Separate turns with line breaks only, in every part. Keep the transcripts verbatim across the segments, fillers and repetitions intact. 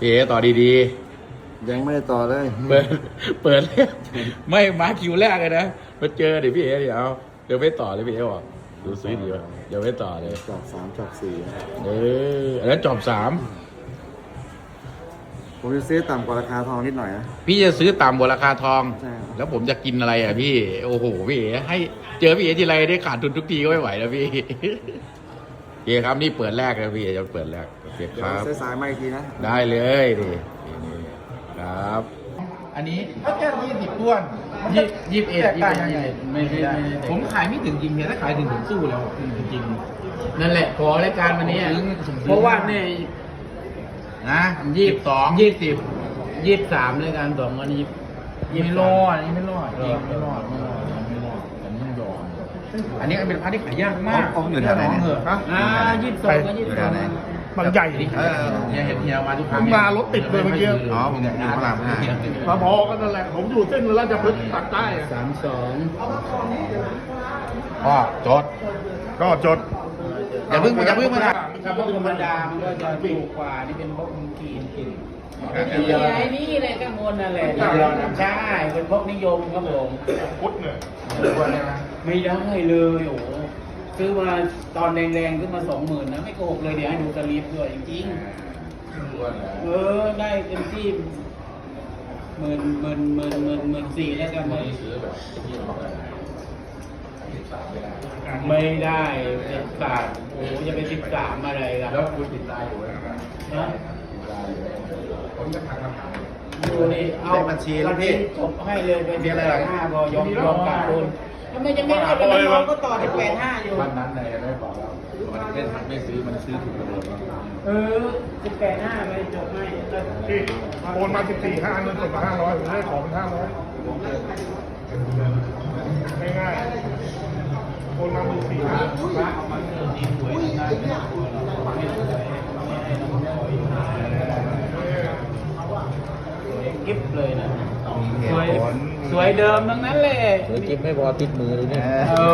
พี่เอต่อดีๆ
ยังไม่ได้ต่อเลย
เปิดเปิดเลยไม่มาคิวแรกเลยนะมาเจอเดี๋ยวพี่เอเดี๋ยวเดี๋ยวไม่ต่อเลยพี่เอบอกดูซื้อดีวะเดี๋ยวไม่ต่อเลย
จอบสามจอบสี่
เออแล้วจอบสาม
ผมจะซื้อต่ำกว่าราคาทองนิดหน่อยนะ
พี่จะซื้อต่ำกว่าราคาทอง
ใช่ครับ
แล้วผมจะกินอะไรอ่ะพี่โอ้โหพี่เอให้เจอพี่เอทีไรได้ขาดทุนทุกทีก็ไม่ไหวแล้วพี่โอเคครับนี่เปิดแรกแล้วพี่เอจะเปิดแรกโอเคครับ
เดี๋ยวสายๆมาอีกทีนะ
ได้เลยดินี่ครับอันนี้ถ้าแค่ยี่สิบต้วนยี่ยี่สิบเอ็ดยี่สิบเอ็ดไม่ได้ผมขายไม่ถึงจริงเนี่ยถ้าขายถึงผมสู้แล้วจริงนั่นแหละขอรายการวันนี้เพราะว่าเนี่ยนะยี่สิบสองยี่สิบยี่สิบสามรายการสองอันนี้ไม่รอดอันนี้ไม่รอดไม่รอดไม่รอดไม่รอดอันนี้ยอมอันนี้เป็นพาร์ทที่ขายยากมาก
ผมอยู่แถวไหนเนี่ย
อ่ายี่สิบสองกับยี่สิบสาม
บางใหญ่
เออเฮียเห็นเฮียมาทุกครั้ง
มารถติดเลยเมื่อกี้
อ๋อผมอยู่พระรามห้า
มาพอกันนั่นแหละผมอยู่เส้นราชพฤกษ์ตัดใต้
สามสอง
พ่อจดก็จด
อย่าเพิ่งอย่าเพิ่งมา
ถ้าพวกธรรมดามันก็จะถูกกว่านี่เป็นพวกกีนกินไอ้นี่เลยข้างบนนั่นแหละใช่เป็นพวกนิยมครับผม
พุทธเนี่ย
ไม่ได้เลยโอ้โหซื้อมาตอนแรงๆขึ้นมาสองหมื่นนะไม่โกหกเลยเดี๋ยวให้ดูสลิปด้วยจริงๆเออได้เต็มที่หมื่นหมื่นหมื่นหมื่นหมื่นสี่แล้วกันเลยไม่ได้สิบสามโอ้จะเป็นสิบสามอะไรล่ะแล้วคุณติดตายอยู่นะผมจะถามคำถามดูนี่เอาบัญชีแล้วพี่จบให้เลยเป็นสิบแปดห้าพอยอมยอมการโอนทำไมจะไม่ได้เป็นน้องก็ต่อสิบแปดห้าอยู่
วันนั้นเลยได้บอกแล้วมันไม่ไม่ซื้อมันซื้อถูกเลย
เออสิบแปดห้าไปจบให้
ที่โอนมาสิบสี่ห้าเงินสดมาห้าร้อยผมได้ของเป็นห้าร้อยง่ายๆโอนมาหมื่นสี่ห้า
กิ๊บเลยนะสวยสวยเดิมทั้งนั้นเลย
สวยกิ๊บไม่พอติดมือเลยเนี่ย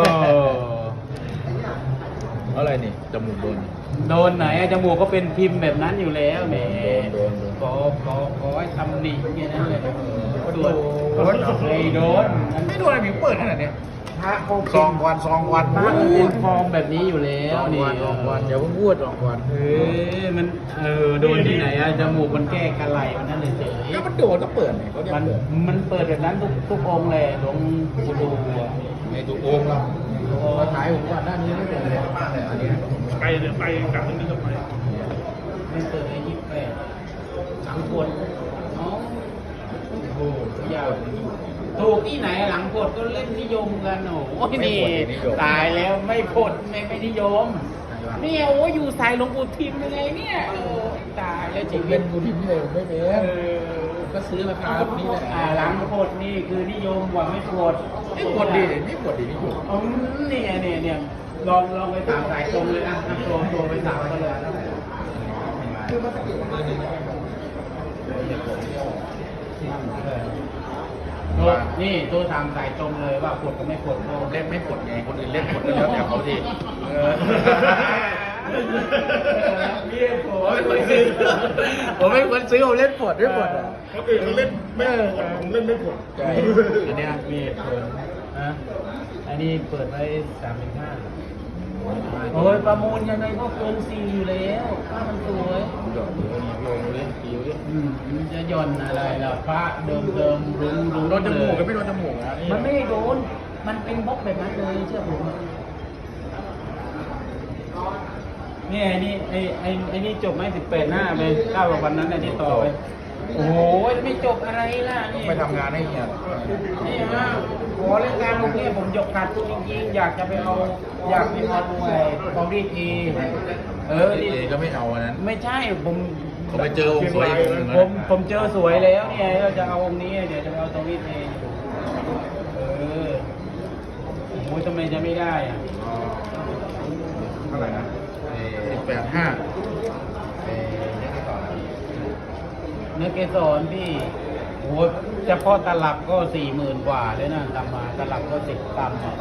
อะไรนี่จมูกโดน
โดนไหนจมูกก็เป็นพิมพ์แบบนั้นอยู่แล้วแหม
โดน
ขอขอขอให้ทำดีแค่นั้นเลยส่วนไอ้โดน
ไม่โดนอะไรผิวเปิดขนาดนี้
พระเขา
ซองวันซองวัน
พระมันเป็นฟองแบบนี้อยู่แล้วนี่
ซองวันเดี๋ยวผมพูดซองวัน
เฮ้ยมันเออโดนที่ไหนอะจมูกมันแก้กระไหลมันนั่นเลยเฉย
ก็มันโดนก็เปิดเขา
มันมันเปิดแบบนั้นทุกทุกองเลยหลวงปู่ดู
ในตัวโอ่งเรามาขายผมว่าด้านนี้ไม่เปิดเลยมากเลยอันนี้
ไปเดี๋ยวไปกลับตรงนี้ก็ไป
ไม่เปิดไอ้ยี่สิบแปดสามคนอ๋อโอ้ยาวถูกที่ไหนหลังกดก็เล่นนิยมกันโอ้ยนี่ตายแล้วไม่กดไม่ไม่นิยมเนี่ยโอ้อยู่สายหลวงปู่ทิมยังไงเนี่ยโอ้ตายแล้วจริง
เป็นกูทิมเลยไม่เป็นก็ซื้อราคานี้แหละ
หลังกดนี่คือนิยมกว่าไม่กด
ไม่กดดีไม่กดดีนี่กด
อ๋อนี่เนี่ยเนี่ยลองลองไปถามสายตรงเลยนะตัวตัวไปถามกันเลยนี่ตัวทำสายตรงเลยว่ากดก็ไม่กด
เล่นไม่กดไงคนอื่นเล่นกดแล้วแต่เขาทีผมไม่ควรซื้อผมเล่นกดไม่กดอ่ะ
คนอื่นเขาเล่นไม่ผมเล่นไม่กด
อันนี้มีเปิดนะอันนี้เปิดไว้สามพันห้าโอ้ยประมูลยังไงก็เกินสี่อยู่แล้วถ้ามันสวยมันจะย่อนอะไรล่ะพระเดิมเดิมรุ้งรุ้ง
โดนจมูกก็ไม่โดนจมูกนะ
มันไม่โดนมันเป็นบล็อกแบบนั้นเลยเชื่อผมนี่ไอ้นี่ไอ้ไอ้ไอ้นี่จบไหมสิบแปดหน้าไปเก้าวันนั้นไอ้ที่ต่อไปโอ้โหไม่จบอะไรล่ะนี่
ไปทำงานให้เฮีย
นี่ฮะขอรายการลูกเนี่ยผมยกขาดตัวจริงๆอยากจะไปเอาอยากไปเอาไอ้ของดีเอเออดี
ก็ไม่เอาอันนั้น
ไม่ใช่ผม
ผมไปเจอองค์สวย
ผมผมเจอสวยแล้วเนี่ยเราจะเอาองค์นี้เดี๋ยวจะเอาตรงนี้เองเออโอ้ยทำไมจะไม่ได้อ่ะ
เท่าไหร่นะสิบแปดห้า
เนื้อเกสรพี่โอ้เฉพาะตลับก็สี่หมื่นกว่าเลยนะตามมาตลับก็สิบกรัมอ่ะ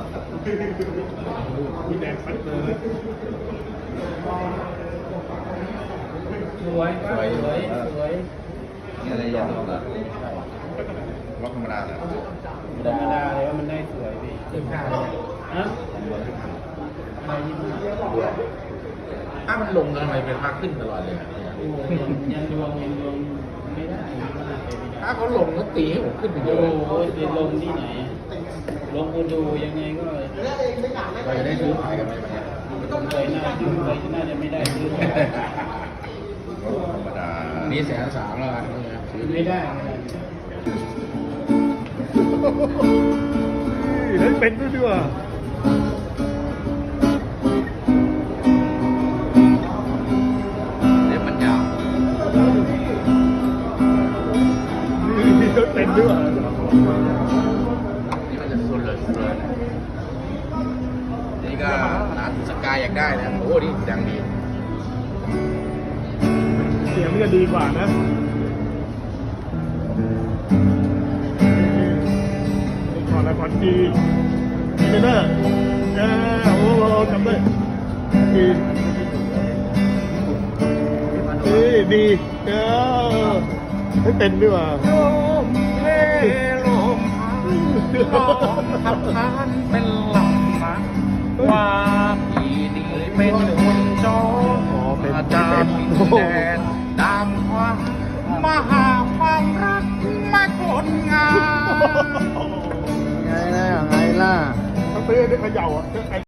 สวยป้าสวยสวย
นี่อะไรอย่างล็อกอะล็อกธรรมดาเหรอ
ธรรมดาเลยว่ามันได้สวยพี่ขึ้นค่าเลยฮะอะไรที่มัน
ถ้ามันลงแล้วทำไมเป็นพักขึ้นตลอดเลยอะ
โอ้ยยันดวงยันดวงไม่ได้ไม่ได้
ถ้าเขาลงก็ตีให้ผมขึ้นไปเย
โอ้
อะ
โหจะลงที่ไหนลงกูดูยังไงก็
เราจะได้ซื้อขายกันไหมวันเนี้ย
ต้องเคยน่าต้องเคยน่าจะไม่ได้ซื้อ
ล็อกธรรมดา
นี่แสนสามแล้วกันซื้อ
ไม่ได้ไม่ได้
เฮ้ยเป็นด้วยดีกว่า
เล็บมันยาว
นี่เป็นด้วย
นี่มันจะสุดเลยสุดเลยนี่ก็ร้านสกายอยากได้นะโอ้นี่ดังดี
เสียงมันจะดีกว่านะขอละครดีดีเลยนะเออโอ้โหจำได้ดีเอ้ยดีเออให้เป็นด้วยว่ะ
ลมเพลมลมขับขานเป็นลำนะว่าพี่นี่เป็นคนจอมาจากดินแดนตามความมาหาความรักมาผลงาน
ไงล่ะไงล่ะ
ทั้งเต้ได้เขย่าอ่ะ